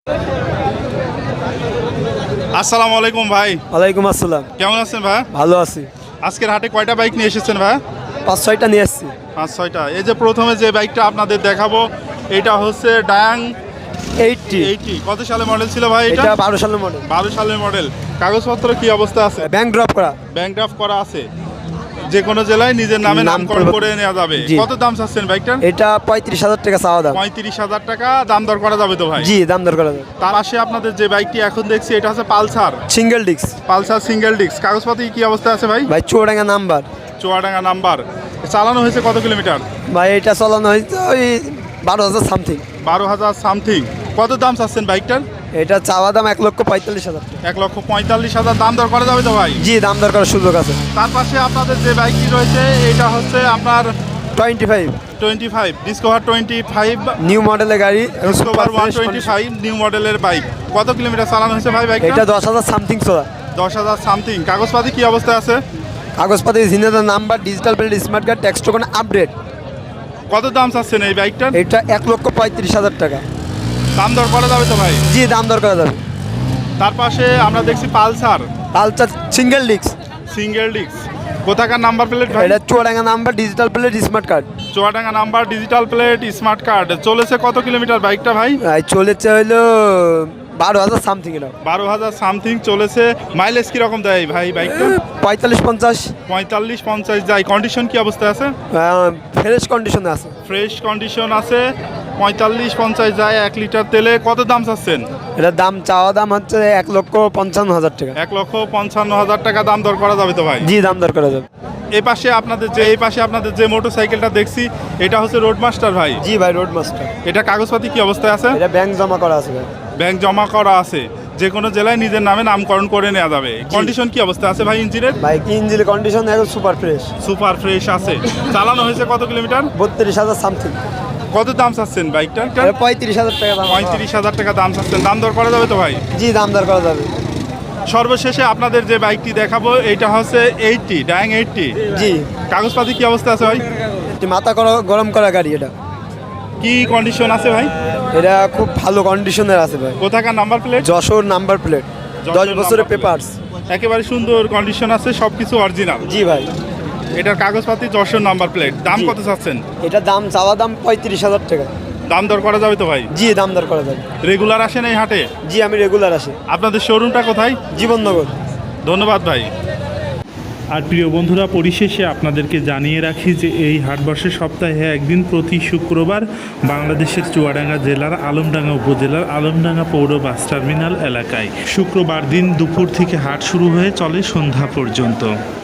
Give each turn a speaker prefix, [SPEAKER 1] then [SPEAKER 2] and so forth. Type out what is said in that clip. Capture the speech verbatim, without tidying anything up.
[SPEAKER 1] আসসালামু আলাইকুম ভাই।
[SPEAKER 2] ওয়ালাইকুম আসসালাম।
[SPEAKER 1] কেমন আছেন ভাই?
[SPEAKER 2] ভালো আছি।
[SPEAKER 1] আজকের হাটে কয়টা বাইক নিয়ে এসেছেন ভাই?
[SPEAKER 2] পাঁচ ছয়টা নিয়ে আসছি।
[SPEAKER 1] পাঁচ ছয়টা। এই যে প্রথমে যে বাইকটা আপনাদের দেখাবো এটা হচ্ছে ডায়াং
[SPEAKER 2] এইটটি।
[SPEAKER 1] এইটটি। কত সালে মডেল ছিল ভাই এটা?
[SPEAKER 2] এটা বারো সালের মডেল।
[SPEAKER 1] বারো সালের মডেল। কাগজপত্র কি অবস্থা আছে?
[SPEAKER 2] ব্যাংক ড্রপ করা।
[SPEAKER 1] ব্যাংক ড্রাফট করা আছে। যে কোনো জেলায় নিজের নামে নামকরণ করে নেওয়া যাবে।
[SPEAKER 2] জি।
[SPEAKER 1] কত দাম চাচ্ছেন বাইকটার?
[SPEAKER 2] এটা পঁয়ত্রিশ হাজার টাকা চাওয়া দাম।
[SPEAKER 1] পঁয়ত্রিশ হাজার টাকা দাম দর করা যাবে তো ভাই?
[SPEAKER 2] জি, দাম দর করা যাবে।
[SPEAKER 1] তার পাশে আপনাদের যে বাইকটি এখন দেখছি এটা হচ্ছে Pulsar.
[SPEAKER 2] Single disc.
[SPEAKER 1] Pulsar single disc. কাগজপত্র কি অবস্থা আছে ভাই?
[SPEAKER 2] ভাই চুয়াডাঙ্গা নাম্বার।
[SPEAKER 1] চুয়াডাঙ্গা নাম্বার। চালানো হয়েছে কত কিলোমিটার?
[SPEAKER 2] ভাই এটা চালানো হয়েছে ওই বারো হাজার সামথিং।
[SPEAKER 1] বারো হাজার সামথিং। কত দাম চাচ্ছেন বাইকটার?
[SPEAKER 2] এটা চাওয়া দাম এক লক্ষ পঁয়তাল্লিশ হাজার।
[SPEAKER 1] এক লক্ষ পঁয়তাল্লিশ হাজার দাম দর করা যাবে তো ভাই?
[SPEAKER 2] জি, দাম দর করার সুযোগ আছে।
[SPEAKER 1] তার পাশে আপনাদের যে বাইকটি রয়েছে এটা হচ্ছে আপনার
[SPEAKER 2] twenty five
[SPEAKER 1] twenty five Discover twenty five
[SPEAKER 2] new মডেলের গাড়ি।
[SPEAKER 1] Discover one twenty five new মডেলের বাইক। কত কিলোমিটার চালানো হয়েছে ভাই বাইকটা?
[SPEAKER 2] এটা দশ হাজার সামথিং চলা।
[SPEAKER 1] দশ হাজার সামথিং। কাগজপাতি কি অবস্থা আছে?
[SPEAKER 2] কাগজপাতি জিনেদার number, digital plate, smart card, tax token update.
[SPEAKER 1] কত দাম চাচ্ছেন এই বাইকটার?
[SPEAKER 2] এটা এক লক্ষ পঁয়ত্রিশ হাজার টাকা।
[SPEAKER 1] দাম দর করা যাবে তো ভাই?
[SPEAKER 2] জি, দাম দর করা যাবে।
[SPEAKER 1] তার পাশে আমরা দেখছি Pulsar
[SPEAKER 2] Pulsar single disc.
[SPEAKER 1] Single disc. কোথাকার নাম্বার প্লেট ভাই?
[SPEAKER 2] এটা Chuadanga number, digital plate, smart card.
[SPEAKER 1] Chuadanga number, digital plate, smart card. চলেছে কত কিলোমিটার বাইকটা ভাই?
[SPEAKER 2] এই চলেছে হইলো বারো হাজার সামথিং। এটা
[SPEAKER 1] বারো হাজার সামথিং চলেছে। মাইলেজ কিরকম দেয় ভাই বাইকটা?
[SPEAKER 2] পঁয়তাল্লিশ পঞ্চাশ।
[SPEAKER 1] পঁয়তাল্লিশ পঞ্চাশ যায়। কন্ডিশন কি অবস্থা আছে?
[SPEAKER 2] ফ্রেশ কন্ডিশনে আছে।
[SPEAKER 1] ফ্রেশ কন্ডিশন আছে। পঁয়তাল্লিশ পঞ্চাশ যায় এক লিটার তেলে। কত দাম চাচ্ছেন?
[SPEAKER 2] এটার দাম চাওয়া দাম হচ্ছে এক লক্ষ পঞ্চান্ন হাজার টাকা।
[SPEAKER 1] এক লক্ষ পঞ্চান্ন হাজার টাকা দাম দর করা যাবে তো ভাই?
[SPEAKER 2] জি, দাম দর করা যাবে।
[SPEAKER 1] এই পাশে আপনাদের যে এই পাশে আপনাদের যে মোটর সাইকেলটা দেখছি এটা হচ্ছে রোড মাস্টার ভাই।
[SPEAKER 2] জি ভাই, রোড মাস্টার।
[SPEAKER 1] এটা কাগজপাতি কি অবস্থায় আছে?
[SPEAKER 2] এটা ব্যাংক জমা করা আছে ভাই।
[SPEAKER 1] ব্যাংক জমা করা আছে। যে কোনো জেলায় নিজের নামে নামকরণ করে নেওয়া যাবে। কন্ডিশন কি অবস্থা আছে ভাই ইঞ্জিনের?
[SPEAKER 2] ভাই ইঞ্জিন কন্ডিশন একদম সুপার ফ্রেশ।
[SPEAKER 1] সুপার ফ্রেশ আছে। চালানো হয়েছে কত কিলোমিটার?
[SPEAKER 2] বত্রিশ হাজার সামথিং।
[SPEAKER 1] কত দাম চাচ্ছেন বাইকটা?
[SPEAKER 2] এটা পঁয়ত্রিশ হাজার টাকা দাম।
[SPEAKER 1] পঁয়ত্রিশ হাজার টাকা দাম চাচ্ছেন। দাম দর করা যাবে তো ভাই?
[SPEAKER 2] জি, দাম দর করা যাবে।
[SPEAKER 1] সর্বশেষে আপনাদের যে বাইকটি দেখাবো এটা হচ্ছে এইটটি ডায়াং এইটটি।
[SPEAKER 2] জি।
[SPEAKER 1] কাগজপাতি কি অবস্থা আছে ভাই?
[SPEAKER 2] একটি মাথা করা গরম করা গাড়ি। এটা
[SPEAKER 1] কি কন্ডিশন আছে ভাই?
[SPEAKER 2] এটা খুব ভালো কন্ডিশনের আছে ভাই।
[SPEAKER 1] কোথাকার number plate?
[SPEAKER 2] Jessore number plate, দশ বছরের পেপারস।
[SPEAKER 1] একেবারে সুন্দর কন্ডিশন আছে, সবকিছু অরিজিনাল।
[SPEAKER 2] জি ভাই।
[SPEAKER 1] এটার কাগজপাতি যশোর নাম্বার প্লেট। দাম
[SPEAKER 2] জি।
[SPEAKER 1] কত চাচ্ছেন?
[SPEAKER 2] এটা দাম চাওয়া দাম পঁয়ত্রিশ হাজার টাকা।
[SPEAKER 1] দাম দর করা যাবে তো ভাই?
[SPEAKER 2] জি, দাম দর করা যাবে।
[SPEAKER 1] রেগুলার আসেন এই হাটে?
[SPEAKER 2] জি, আমি রেগুলার আসি।
[SPEAKER 1] আপনাদের শোরুমটা কোথায়?
[SPEAKER 2] জীবননগর।
[SPEAKER 1] ধন্যবাদ ভাই।
[SPEAKER 3] আর প্রিয় বন্ধুরা, পরিশেষে আপনাদেরকে জানিয়ে রাখি যে এই হাটবর্ষে সপ্তাহে একদিন প্রতি শুক্রবার বাংলাদেশের চুয়াডাঙ্গা জেলার আলমডাঙ্গা উপজেলার আলমডাঙ্গা পৌর বাস টার্মিনাল এলাকায়। শুক্রবার দিন দুপুর থেকে হাট শুরু হয়ে চলে সন্ধ্যা পর্যন্ত।